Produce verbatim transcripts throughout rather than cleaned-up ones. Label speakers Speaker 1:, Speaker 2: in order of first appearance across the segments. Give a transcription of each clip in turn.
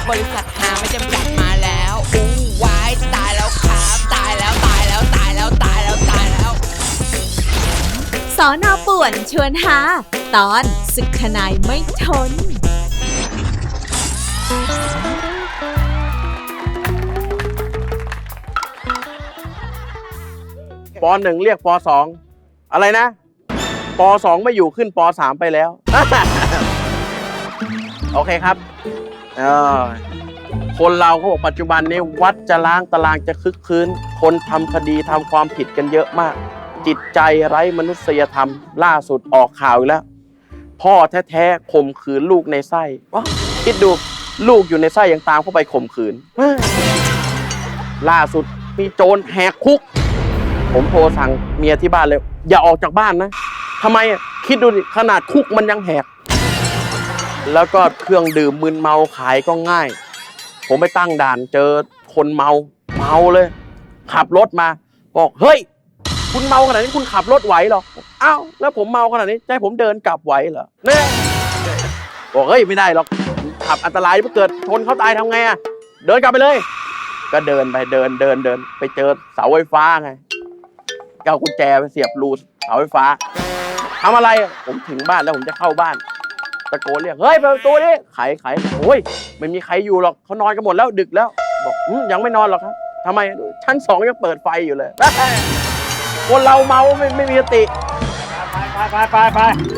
Speaker 1: บริษัทหาไม่จำกัดมาแล้วอู้วายตายแล้วครับตายแล้วตายแล้วตายแล้วตายแล้วตายแล้ว
Speaker 2: สอนอป่วนชวนหาตอนศึกทนายไม่ทน
Speaker 3: ปหนึ่งเรียกปสองอะไรนะปสองไม่อยู่ขึ้นปสามไปแล้ว โอเคครับเออคนเราเขาบอกปัจจุบันนี้วัดจะล้างตารางจะคึกคืนคนทำคดีทำความผิดกันเยอะมากจิตใจไร้มนุษยธรรมล่าสุดออกข่าวอีกแล้วพ่อแท้ๆข่มขืนลูกในไส้คิดดูลูกอยู่ในไส้ยังตามเข้าไปข่มขืนล่าสุดมีโจรแหกคุกผมโทรสั่งเมียที่บ้านเลยอย่าออกจากบ้านนะทำไมอ่ะคิดดูดิขนาดคุกมันยังแหกแล้วก็เครื่องดื่มมึนเมาขายก็ง่ายผมไปตั้งด่านเจอคนเมาเมาเลยขับรถมาบอกเฮ้ยคุณเมาขนาดนี้คุณขับรถไหวหรออ้าวแล้วผมเมาขนาดนี้จะให้ผมเดินกลับไหวเหรอเนี่ยบอกเฮ้ยไม่ได้หรอกขับอันตรายถ้าเกิดชนเขาตายทำไงอ่ะเดินกลับไปเลยก็เดินไปเดินเดินเดินไปเจอเสาไฟฟ้าไงเอากุญแจไปเสียบรูเสาไฟฟ้าทำอะไรผมถึงบ้านแล้วผมจะเข้าบ้านตะโกนเรียกเฮ้ยเปิดประตูดิไขไขโอ้ยไม่มีใครอยู่หรอกเขานอนกันหมดแล้วดึกแล้วบอกยังไม่นอนหรอกครับทำไมชั้นสองยังเปิดไฟอยู่เลยคนเราเมาไม่ไม่มีสติไปไปไปไปไป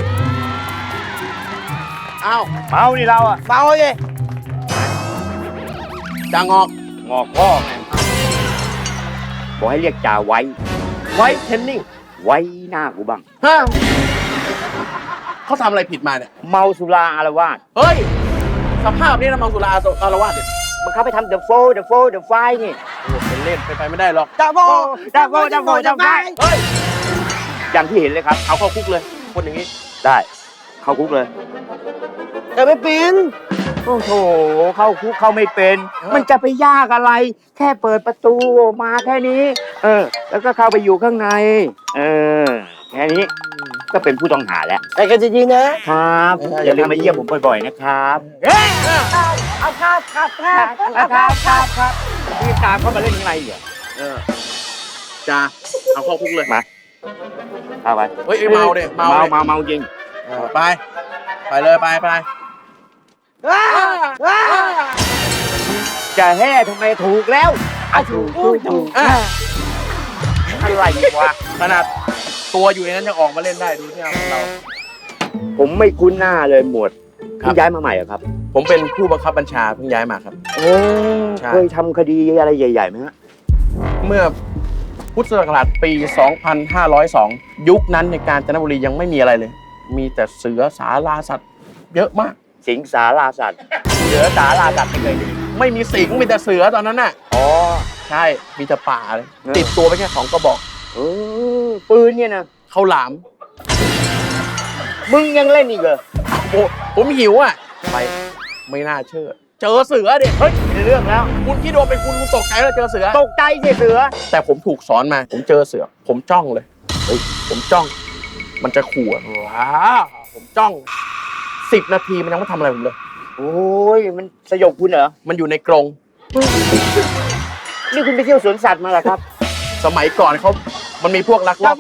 Speaker 3: อ้าวเมานี่เราอ่ะเมาสิจ่างอกงอกพ่อไง
Speaker 4: บอกให้เรียกจ่าไว้
Speaker 3: ไว้เทนนิ่ง
Speaker 4: ไว้หน้ากูบ้าง
Speaker 3: ฮะเขาทำอะไรผิดมาเนี่ย
Speaker 4: เมาสุราอารวาส
Speaker 3: เฮ้ยสภาพนี้นะเมาสุราอารวาสเนี่ย
Speaker 4: มันเข้าไปทำเดอะโฟเดอะโฟเดอะไฟนี่
Speaker 3: โอ้เป็นเล่นไปไปไม่ได้หรอก
Speaker 4: เดอะโฟเดอะโฟเดอะโฟเดอะไฟเฮ้ยอย่างที่เห็นเลยครับ
Speaker 3: เอาเข้าคุกเลยคนอย่างนี้
Speaker 4: ได้เข้าคุกเลยแต่ไม่เป็นโอ้โหเข้าคุกเข้าไม่เป็นมันจะไปยากอะไรแค่เปิดประตูมาแค่นี้เออแล้วก็เข้าไปอยู่ข้างในเออแค่นี้ก็เป็นผู้ต้องหาแล้ว
Speaker 3: ไปกันจริงๆนะครับ
Speaker 4: อย่าลืมมาเยี่ยมผมบ่อยๆนะครับเอาครับครับครับครับครับครับพี่ตามเข้ามาเล่นข้างในเหรอ
Speaker 3: เออจ้าเอาเข้าคุกเลย
Speaker 4: มาเอาไป
Speaker 3: เฮ้ยเมาเนี่ยเมา
Speaker 4: เมาเมาจริง
Speaker 3: ไปไปเลยไปไป
Speaker 4: จะแห่ทำไมถูกแล้วอ่ะถูกถูกถูกอะไรวะ
Speaker 3: ขนาดตัวอยู่ในนั้นยังออกมาเล่นได้ดูที่เรา
Speaker 4: ผมไม่คุ้นหน้าเลยหมวดเพิ่งย้ายมาใหม่เหรอครับ
Speaker 3: ผมเป็นผู้บังคับบัญชาเพิ่งย้ายมาครับ
Speaker 4: โอ้เคยทำคดีอะไรใหญ่ๆไหมฮะ
Speaker 3: เมื่อพุทธศักราชปีสองพันห้าร้อยสองยุคนั้นในกาญจนบุรียังไม่มีอะไรเลยมีแต่เสือสาราสัตว์เยอะมาก
Speaker 4: สิงสาราสัตว์เสือสาราสัตว์ไม่เคยมี
Speaker 3: ไม่มีสิงมีแต่เสือตอนนั้นน่ะ
Speaker 4: อ๋อ
Speaker 3: ใช่มีแต่ป่าเลยติดตัวไปแค่สองกระบอก
Speaker 4: เออปืนเนี่ยนะ
Speaker 3: ข้าวหลาม
Speaker 4: มึงยังเล่นอีกเหรอ
Speaker 3: ผมหิวอ่ะไปไม่น่าเชื่อเจอเสือเด็ก
Speaker 4: เฮ้ยในเรื่องแล้ว
Speaker 3: คุณคิดว่าเป็นคุณคุณตกใจแล้วเจอเสือ
Speaker 4: ตกใจสิเสือ
Speaker 3: แต่ผมถูกสอนมาผมเจอเสือผมจ้องเลยเฮ้ยผมจ้องมันจะขู่ว้าผมจ้องสิบนาทีมันยังไม่ทำอะไรผมเลย
Speaker 4: โอ้ยมันสยบคุณเหรอ
Speaker 3: มันอยู่ในกรง
Speaker 4: นี่คุณไปเที่ยวสวนสัตว์มาเหรอครับ
Speaker 3: สมัยก่อนเขามันมีพวกลักลอบ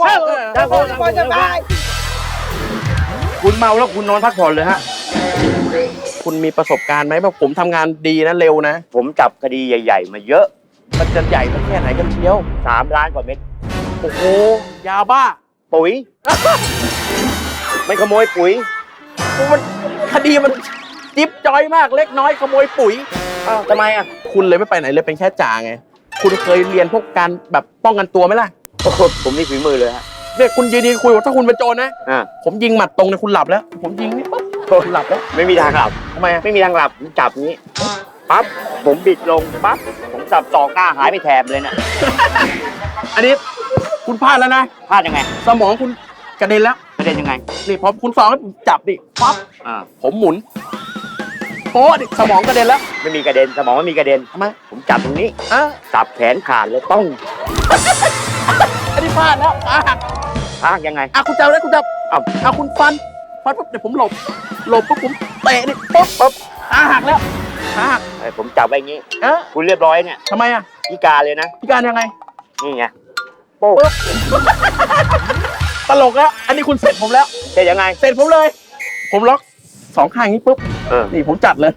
Speaker 4: คุณเมาแล้วคุณนอนพักผ่อนเลยฮะ
Speaker 3: คุณมีประสบการณ์ไหมว่าผมทำงานดีนะเร็วนะ
Speaker 4: ผมจับคดีใหญ่ๆมาเยอะ
Speaker 3: มันจะใหญ่สักแค่ไหนกันเชียว
Speaker 4: สามล้านกว่าเม็ด
Speaker 3: โอ้โหยาบ้า
Speaker 4: ปุ๋ยไม่ขโมยปุ๋ย
Speaker 3: มันคดีมันจิ๊บจอยมากเล็กน้อยขโมยปุ๋ย
Speaker 4: อ้าวทำไมอ่ะ
Speaker 3: คุณเลยไม่ไปไหนเลยเป็นแค่จ่าไงคุณเคยเรียนพวกการแบบป้องกันตัวไหมล่ะ
Speaker 4: โอ้โหผมนี่ฝีมือเลยฮะ
Speaker 3: เนี่ยคุณยืนคุยว่าถ้าคุณเป็นโจรนะ
Speaker 4: อ่า
Speaker 3: ผมยิงหมัดตรงเนี่ยคุณหลับแล้วผมยิงนี่ปั๊บคุณหลับแล้ว
Speaker 4: ไม่มีทางหลับ
Speaker 3: ทำไม
Speaker 4: ไม่มีทางหลับผมจับนี้ปั๊บผมบิดลงปั๊บผมสับสองหน้าหายไปแถบเลยเนี่ย
Speaker 3: อันนี้คุณพลาดแล้วนะ
Speaker 4: พลาดยังไง
Speaker 3: สมองคุณกระเด็นแล้ว
Speaker 4: กระเด็นยังไง
Speaker 3: นี่พอคุณสองให้ผมจับดิปั๊บ
Speaker 4: อ่า
Speaker 3: ผมหมุนโป๊ะดิสมองกระเด็นแล้ว
Speaker 4: ไม่มีกระเด็นสมองไม่มีกระเด็น
Speaker 3: ทำไม
Speaker 4: ผมจับตรงนี้
Speaker 3: อ่ะ
Speaker 4: สับแขนขาดเลยต้อง
Speaker 3: อันนี้พลาดแล้วขาหัก
Speaker 4: ขาหักยังไง
Speaker 3: อ่ะคุณจับได้คุณจับอ่ะอ่ะคุณฟันฟันปุ๊บเดี๋ยวผมหลบหลบปุ๊บผมเตะดิปุ๊บปุ๊บขาหักแล้วขภาค
Speaker 4: เอ้ยผมจับไว้อย่างงี้
Speaker 3: เอ๊ะ
Speaker 4: คุณเรียบร้อยเนี่ย
Speaker 3: ทำไมอ่ะ
Speaker 4: พิการเลยนะ
Speaker 3: พิการยังไง
Speaker 4: นี่ไงโป๊ะ
Speaker 3: ตลกแล้วอันนี้คุณเสร็จผมแล้ว
Speaker 4: จะยังไง
Speaker 3: เสร็จผมเลย ผมล็อกสองข้างอย่างนี้ปุ๊บ
Speaker 4: เออ
Speaker 3: นี่ผมจัดเลย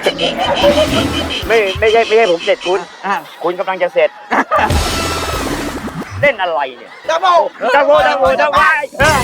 Speaker 4: ไม่ไม่ใช่ไม่ใช่ผมเสร็จคุณ
Speaker 3: อ่ะ
Speaker 4: คุณกำลังจะเสร็จ เล่นอะไรเนี่ย
Speaker 3: ดับเบิล
Speaker 4: ดับเบิลดับเบิลดับเบิล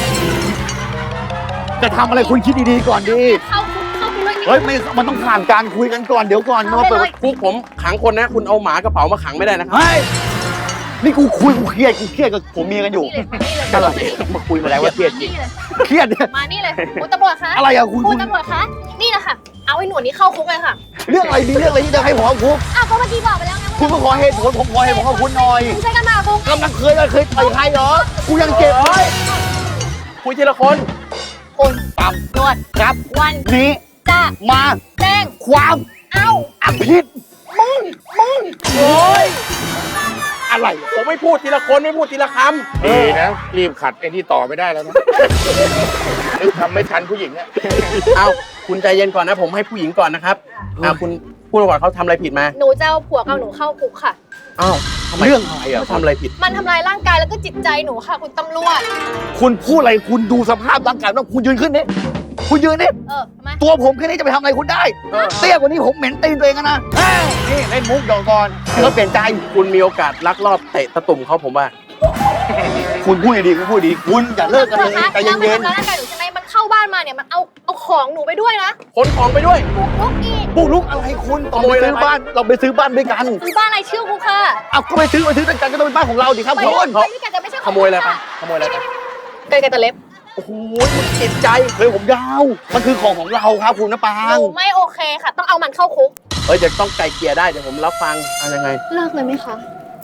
Speaker 5: จะทำอะไรคุณคิดดีๆก่อนดี
Speaker 2: เข้าคุกเข้าไปเลย
Speaker 5: เฮ้ยไม่มันต้องผ่านการคุยกันก่อนเดี๋ยวก่อนมาเปิด
Speaker 3: คุกผมขังคนนะ คุณเอาหมากระเป๋ามาขังไม่ได้นะครับ
Speaker 5: เฮ้ยนี่กูคุยกูเครียดกูเครียดกับผมเมียกันอยู่
Speaker 2: นี่เลย
Speaker 3: อะไร
Speaker 4: มาคุยมาแล้วว่าเครียดจริง
Speaker 2: นี่เลย
Speaker 5: เครียดเนี่ย
Speaker 2: มานี่เลยคุณตำรวจคะ
Speaker 5: อะไรอะคุณ
Speaker 2: คุ
Speaker 5: คุณ ณ
Speaker 2: ตำรวจคะนี่แหละค่ะ เอาไอ้หนวดนี้เข้าคุกเลยค่ะ
Speaker 5: เรื่องอะไรดีเรื่องอะไรที่จะให้ผมเอาคุก
Speaker 2: อ้าวก็เมื่อกี้บอกไปแล้วไง
Speaker 5: คุณมาขอเหตุผลผมขอเหตุผลกับคุณหน่อย
Speaker 2: คุณใช้กันมาคุก
Speaker 5: กำลังเคยเคยต่อยใครเหรอกูยังเจ็บเลย
Speaker 3: คุยทีละคน
Speaker 2: คุณปั๊มนวด
Speaker 5: ครับ
Speaker 2: วัน
Speaker 5: นี้
Speaker 2: จะ
Speaker 5: มา
Speaker 2: แจ้ง
Speaker 5: ความ
Speaker 2: เอา
Speaker 5: อภิษ
Speaker 2: มึงมึง
Speaker 3: โอ้ย
Speaker 5: อะไร
Speaker 3: ผมไม่พูดทีละคนไม่พูดทีละค
Speaker 6: ดีนะ รีบขัดไอ้นี่ต่อไม่ได้แล้วนะนึกทำไม่ทันผู้หญิงเนี่ย
Speaker 3: ำเอาคุณใจเย็นก่อนนะ ผมให้ผู้หญิงก่อนนะครับอ่าคุณพูดก่อนเขาทำอะไรผิดมา
Speaker 2: หนูจะเอาผัวกับหนูเข้าคุกค่ะ
Speaker 3: อ้าวทำไม
Speaker 5: เรื่องอะไรอ่ะ
Speaker 3: เขาทำอะไรผิด
Speaker 2: มันทำลายร่างกายแล้วก็จิตใจหนูค่ะ คุณตำรวจ
Speaker 5: คุณพูดอะไรคุณดูสภาพร่างกายแล้วคุณยืนขึ้นนี่คุณยืนนี่
Speaker 2: เออทำไม
Speaker 5: ตัวผมแค่นี้จะไปทำอะไรคุณได้ เตี้ยกว่านี้ผมเหม็นตีนตัวเองอะนะเอ้ยนี่เล่นมุกเดี๋ยวก่อนให้เขาเปลี่ยนใจ
Speaker 3: คุณมีโอกาสลักลอบเตะตะตุ่มเขาผมว่า
Speaker 5: คุณพูดดีๆคุณพูดดี คุณอย่าเลิกกันเลยใจ
Speaker 2: แล้วมัน
Speaker 5: เย็น
Speaker 2: ทำร้ายร่างกายหนูใช่ไหมมันเข้าบ้านมาเนี่ยมันเอาเอาของหนูไปด้วยนะ
Speaker 3: ขนของไปด้วย
Speaker 2: บุกรุกอีก
Speaker 5: ๆบุกลุกอะไรคุณตอน
Speaker 3: ขโม
Speaker 5: ไป
Speaker 3: ยอะไร
Speaker 5: ซื้อบ้านเราไปซื้อบ้านด้วยกัน
Speaker 2: ซื้อบ้านอะไรชื่อกูค่ะ
Speaker 5: เอาก็ไปซื้อไปซื้อด้วยกันก็ต้องเป็นบ้านของเราดิครับ
Speaker 2: ไป
Speaker 5: คุ
Speaker 2: ด้วย
Speaker 5: ณ
Speaker 2: ไปด้วยกันแต่ไม่ใช่ข
Speaker 3: ข
Speaker 2: อง
Speaker 3: โมยอะไรไป
Speaker 2: ค่ะ
Speaker 3: ขโมยอะไรไป
Speaker 2: เกินกันตะเล็บ
Speaker 3: โอ้โหคุณจิตใจ
Speaker 5: เลยผมยาว มันคือของของเราครับคุณนะปา
Speaker 2: ห
Speaker 5: ง
Speaker 2: นูไม่โอเคค่ะ ต้องเอามันเข้าคุก
Speaker 3: เอ้ยจะต้องไกลเกลี่ยได้เดี๋ยวผมรับฟังเอายังไง
Speaker 2: เลิกเลยไหมคะ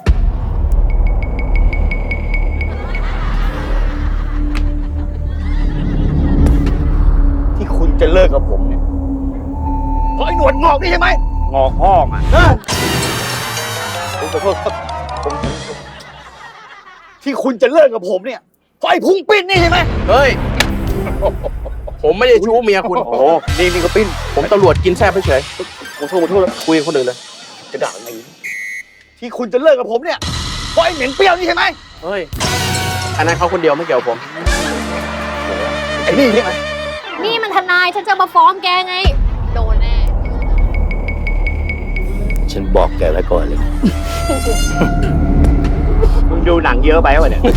Speaker 5: ที่คุณจะเลิกกับผมเนี่ยเพราะไอ้หนวดงอกนี่ใช่ไหม
Speaker 4: งอกห้องอ่ะ
Speaker 5: เออผมขอโทษครับผมที่คุณจะเลิกกับผมเนี่ยเพราะไอ้พุงปิ้นนี่ใช่ไหม
Speaker 3: เฮ้ย ผมไม่ได้ชู้เมียคุณ
Speaker 5: โอ้โหนี่นี่ก็ปิ้น
Speaker 3: ผมตำรวจกินแซ่บเฉย
Speaker 5: ผมโทษผมโทษแล้ว
Speaker 3: ๆคุยกับคนอื่นเลย
Speaker 5: จะด่าไงที่คุณจะเลิกกับผมเนี่ยเพราะไอ้เหม็นเปรี้ยวนี่ใช่ไหม
Speaker 3: เฮ้ย อันนั้นเขาคนเดียวไม่เกี่ยวกับผม
Speaker 5: ไอ้นี่ใช่ไหม
Speaker 2: นี่มันทนายฉันจะมาฟ้องแกไง โดนแน่
Speaker 6: ฉันบอกแกไว้ก่อนเลย
Speaker 4: มึงดูหนังเยอะไปวะเนี่ย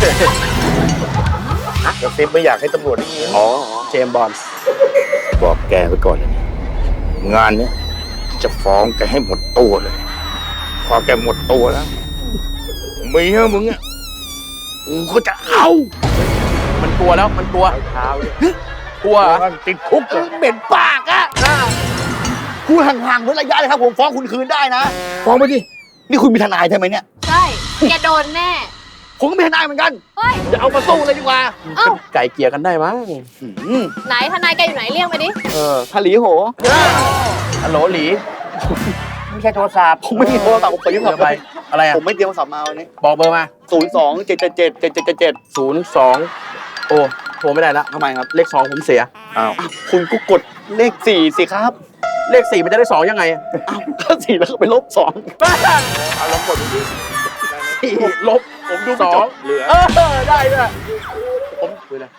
Speaker 6: กระซิบไม่อยากให้ตำรวจได้ยิน
Speaker 4: อ๋อ
Speaker 3: เจมส์บอนด์
Speaker 6: บอกแกไว้ก่อนเลยนะงานเนี้ยจะฟ้องแกให้หมดตัวเลย พอแกหมดตัวแล้วเมียมึงอ่ะกูก็จะเอา
Speaker 3: มันกลัวแล้วมันกลัว
Speaker 4: เท้าเลย
Speaker 3: กลัวเหรอ
Speaker 6: ติดคุก
Speaker 5: เออเหม็นปากอะคุณห่างๆเว้นระยะเลยครับผมฟ้องคุณคืนได้นะ
Speaker 6: ฟ้องไปดิ
Speaker 5: นี่คุณมีทนายใช่ไหมเนี่ย
Speaker 2: ใช่ แกโดนแน่
Speaker 5: ผมก็มีทนายเหมือนกัน
Speaker 2: เฮ้ย
Speaker 5: จะเอามาสู้เลยดีกว่า
Speaker 2: เอ้า
Speaker 3: ไก่เกลี่ยกันได้มั้ง
Speaker 5: อืม
Speaker 2: ไหนทนายแกอยู่ไหนเรียกมาดิ
Speaker 3: เออ
Speaker 5: ทะลีโห
Speaker 3: ฮัลโหลหลี
Speaker 4: ไม่ใช่โทรศัพท์
Speaker 5: ผมไม่มีโทรศัพท์ผมไป
Speaker 3: เดี๋
Speaker 5: ยึ
Speaker 3: ย
Speaker 5: ด
Speaker 3: วไป อะไรอ่ะ
Speaker 5: ผมไม่เตรียมโทรศัพท์มาวันนี้
Speaker 3: บอกเบอร์มา
Speaker 5: ศูนย์สองเจ็ดเจ็ดเจ็ดเจ็ดเจ็ดเจ็ดเจ็ด
Speaker 3: ศูนย์สองโอ้โทรไม่ได้ละ
Speaker 5: ทำไมครับ
Speaker 3: เลขสองผมเสีย
Speaker 5: อ้าวคุณก็กดเลขสี่สิครับ
Speaker 3: เลขสี่มันจะได้สองยังไงอะ
Speaker 5: อ้าวถ้าสี่แล้วก็ไปลบสอง
Speaker 3: เอาลองกดดูดิสี่ลบ
Speaker 5: ผมดู
Speaker 3: ส
Speaker 5: ไม่
Speaker 3: อ
Speaker 5: จ
Speaker 3: ง
Speaker 5: บ
Speaker 3: เหลือ เออ ได้ด้วยผมคุยเลย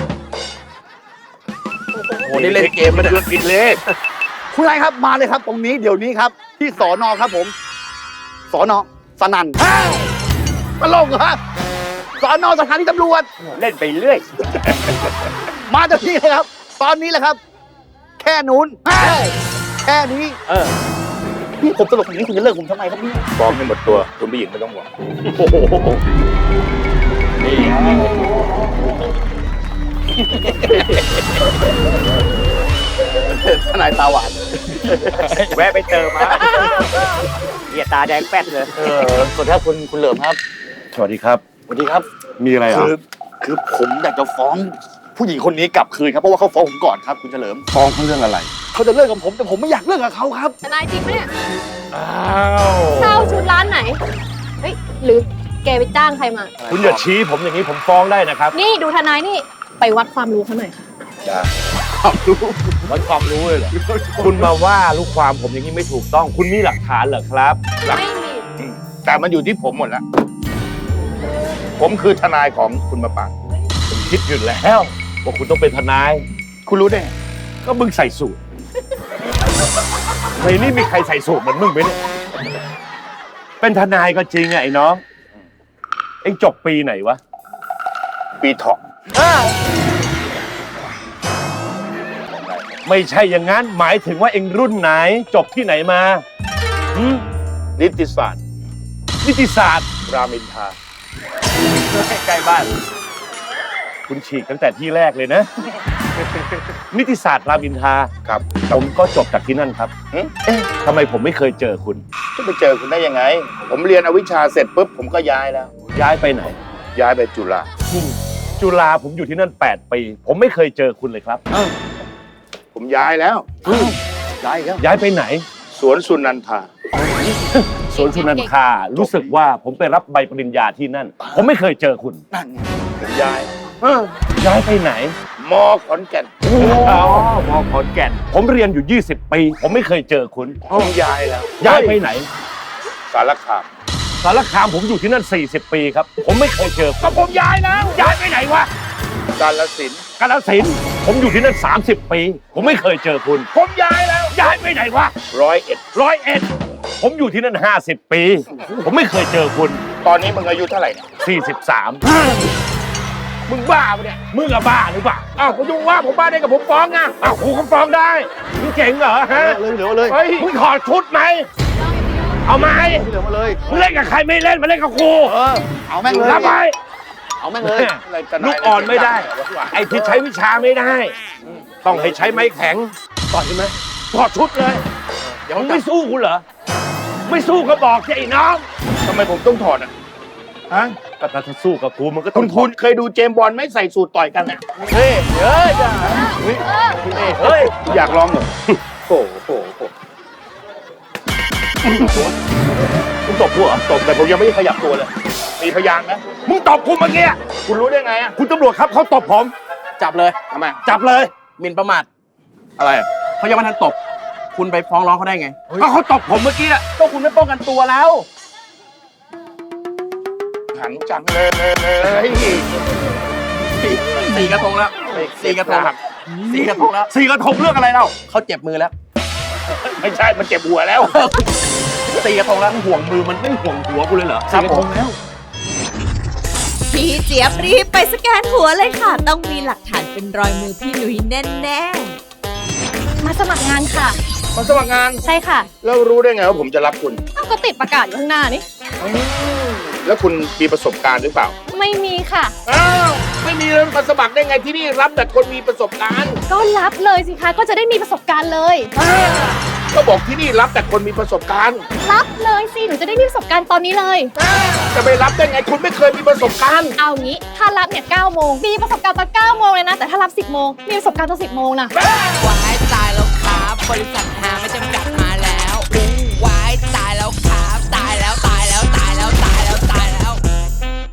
Speaker 3: โอ้โหนี่เล่นเกมมาเนี่ย
Speaker 6: ผิดเลข
Speaker 5: คุณนายครับมาเลยครับ ตรงนี้เดี๋ยวนี้ครับ ที่สอนอครับผมสอนอสนันอ้าวตลกเหรอสอนอสถานีตำรวจ
Speaker 4: เล่นไปเรื่อย
Speaker 5: มาจากที่เลยครับ ตอนนี้แหละครับ แค่นู้นอ้าวแค่นี้
Speaker 3: เออ
Speaker 5: นี่ผมตลกอย่างนี้คุณจะเลิกผมทำไมครับเนี่ย
Speaker 6: ฟ้องให้หมดตัวคุณผู้หญิงไม่ต้องห่วง
Speaker 3: โอ้โหทนายตาหวาน
Speaker 4: แวะไปเติมมาเหียตาแดงแป๊ดเลย
Speaker 3: เออ
Speaker 5: สวัสดีครับคุณคุณเหลิมครับ
Speaker 6: สวัสดีครับ
Speaker 5: สวัสดีครับ
Speaker 6: มีอะไรอ่ะ
Speaker 5: คือคือผมอยากจะฟ้องผู้หญิงคนนี้กลับคืนครับเพราะว่าเขาฟ้องผมก่อนครับคุณเฉลิม
Speaker 6: ฟ้องเขาเรื่องอะไร
Speaker 5: เขาจะเลิกกับผมแต่ผมไม่อยากเลิกกับเขาครับ
Speaker 2: ทนายจริงไหมเนี่ย
Speaker 6: อ้าว
Speaker 2: เช่าชุดร้านไหน เฮ้ย หรือแกไปจ้างใครมา
Speaker 6: คุณอย่าชี้ผมอย่างนี้ผมฟ้องได้นะครับ
Speaker 2: นี่ดูทนายนี่ ไปวัดความรู้เขาหน่อยค่ะ
Speaker 6: จ้า
Speaker 5: ความรู้
Speaker 7: วัดความรู้เลยเหรอ คุณมาว่าลูกความผมอย่างนี้ไม่ถูกต้อง คุณมีหลักฐานเหรอครับ
Speaker 6: ไม่มีแต่มันอยู่ที่ผมหมดแล้ว ผมคือทนายของคุณมาปาง
Speaker 7: ผมคิดอยู่แล้วว่าคุณต้องเป็นทนาย
Speaker 6: คุณรู้ได้ไง
Speaker 7: ก็มึงใส่สูทในนี่มีใครใส่สูทเหมือนมึงไหมเนี่ยเป็นทนายก็จริงอะไอ้น้อง เอ็งจบปีไหนวะ
Speaker 6: ปีเถาะ
Speaker 7: ไม่ใช่อย่างนั้น หมายถึงว่าเอ็งรุ่นไหน จบที่ไหนมาหืม
Speaker 6: นิติศาสตร์
Speaker 7: นิติศาสตร์
Speaker 6: รามอินทรา
Speaker 7: ใกล้บ้าน คุณฉีกตั้งแต่ที่แรกเลยนะ นิติศาสตร์รามอินทรา
Speaker 6: ครับ
Speaker 7: ผมก็จบจากที่นั่นครับ
Speaker 6: หึ
Speaker 7: เอ๊ะทำไมผมไม่เคยเจอคุณ
Speaker 6: จะไปเจอคุณได้ยังไง ผมเรียนอวิชชาเสร็จปุ๊บผมก็ย้ายแล้ว
Speaker 7: ย้ายไปไหน
Speaker 6: ย้ายไปจุฬา
Speaker 7: จุฬาผมอยู่ที่นั่นแปดปี ผมไม่เคยเจอคุณเลยครับ
Speaker 6: ผมย้ายแล้วย้ายแล้ว
Speaker 7: ย้ายไปไหน
Speaker 6: สวนสุนันทา
Speaker 7: สวนสุนันทารู้สึกว่าผมไปรับใบปริญญาที่นั่น ผมไม่เคยเจอคุณ
Speaker 6: นั่นไงผมย้าย
Speaker 7: ย้ายไปไหน
Speaker 6: มอขอนแก่น
Speaker 7: อ๋อมอขอนแก่น ผมเรียนอยู่ยี่สิบปี ผมไม่เคยเจอคุณ
Speaker 6: ผมย้ายแล้ว
Speaker 7: ย้ายไปไหน
Speaker 6: สารคาม
Speaker 7: สารคามผมอยู่ที่นั่นสี่สิบปีครับ ผมไม่เคยเจอก็ผมย้ายแล้ว ย้ายไปไหนวะ
Speaker 6: กาฬสินธุ์
Speaker 7: กาฬสินธุ์ผมอยู่ที่นั่นสามสิบปี ผมไม่เคยเจอคุณ ผมย้ายแล้ว ย้ายไปไหนวะ
Speaker 6: ร้อยเอ็ด
Speaker 7: ร้อยเอ็ดผมอยู่ที่นั่นห้าสิบปี ผมไม่เคยเจอคุณ
Speaker 6: ตอนนี้มึงอายุเท่าไหร่เนี่ย
Speaker 7: สี่สิบสามมึงบ้าปะเนี่ย มึงอะบ้าหรือเปล่า อ้าวคุณยุ่งว่าผมบ้าได้กับผมฟ้องนะอ้าวครูก็ฟ้องได้ มึงเก่งเหรอฮะ
Speaker 5: เลยเหลือเลย
Speaker 7: เฮ้ย มึงถอดชุดไหม เอาไหม
Speaker 5: เหลือมาเลย
Speaker 7: มึงเล่นกับใครไม่เล่นมาเล่นกับครู
Speaker 5: เออเอาแม่งเลย
Speaker 7: รับไป
Speaker 5: เอาแม่งเลย
Speaker 6: อะไรกัน
Speaker 7: ลูกอ่อนไม่ได้ ไอ้ที่ใช้วิชาไม่ได้ ต้องให้ใช้ไม้แข็งต่อใช่ไหมถอดชุดเลย
Speaker 5: เดี๋ยว
Speaker 7: มึงไม่สู้กูเหรอ ไม่สู้ก็บอกสิไอ้น้อง
Speaker 6: ทำไมผมต้องถอดอ่ะฮะ
Speaker 7: ก็ถ้าสู้กับกูมันก็ต้
Speaker 6: คุ
Speaker 7: อง
Speaker 6: ณคุณเคยดูเจมส์บอลไหมใส่สูตรต่อยกันเนี่ย
Speaker 7: เฮ้ยเฮ้ยจ้าเฮ้ยเฮ้ย
Speaker 6: อยากลองเหรอโอ้โหโอ้โห
Speaker 7: มึงตบกูเหรอ
Speaker 6: ตบแต่ผมยังไม่ได้ขยับตัวเลย มีพยานไหม
Speaker 7: มึงตบกูเมื่อกี้
Speaker 6: คุณรู้ได้ไงอ่ะ
Speaker 7: คุณตำรวจครับเขาตบผม
Speaker 3: จับเลย
Speaker 6: ทำไม
Speaker 7: จับเลย
Speaker 3: หมิ่นประมาท
Speaker 6: อะไรอ่ะ
Speaker 3: เขายังไม่ทันตบ คุณไปฟ้องร้องเขาได้ไง
Speaker 7: ก็เขาตบผมเมื่อกี้อะ
Speaker 3: ก็คุณไม่ป้องกันตัวแล้ว
Speaker 6: หันจังเลยเลย
Speaker 3: สี่กระทงแล้วสี่กระทงสี่กระทงแล้ว
Speaker 7: สี่กระทงเรื่องอะไรเล่า
Speaker 3: เขาเจ็บมือแล้ว
Speaker 6: ไม่ใช่ มันเจ็บหัวแล้ว
Speaker 3: สี่กระทงแล้ว
Speaker 7: ห่วงมือมันไม่ห่วงหัวกูเลยเหรอ
Speaker 3: ครับ
Speaker 7: สี่กระทงแล้ว
Speaker 2: พี่เจี๊ยบรีบไปสแกนหัวเลยค่ะ ต้องมีหลักฐานเป็นรอยมือพี่หนุ่ยแน่ๆ
Speaker 8: มาสมัครงานค่ะ
Speaker 6: มาสมัครงาน
Speaker 8: ใช่ค่ะ
Speaker 6: แล้วรู้ได้ไงว่าผมจะรับคุณ
Speaker 8: อ้าวก็ติดประกาศอยู่ข้างหน้านี่
Speaker 6: แล้วคุณมีประสบการณ์หรือเปล่า
Speaker 8: ไม่มีค่ะ
Speaker 6: อ้าวไม่มีแล้วมาสมัครได้ไงที่นี่รับแต่คนมีประสบการณ์
Speaker 8: ก็รับเลยสิคะก็จะได้มีประสบการณ์เลย
Speaker 6: ก็บอกที่นี่รับแต่คนมีประสบการณ์
Speaker 8: รับเลยสิหนูจะได้มีประสบการณ์ตอนนี้เลย
Speaker 6: จะไปรับได้ไงคุณไม่เคยมีประสบการณ์
Speaker 8: เอางี้ถ้ารับเนี่ยเก้าโมงมีประสบการณ์ตอนเก้าโมงเลยนะแต่ถ้ารับสิบโมงมีประสบการณ์ตอนสิบโมงนะ
Speaker 1: วายตายแล้วครับ บริษัทหาไม่จำกัดหา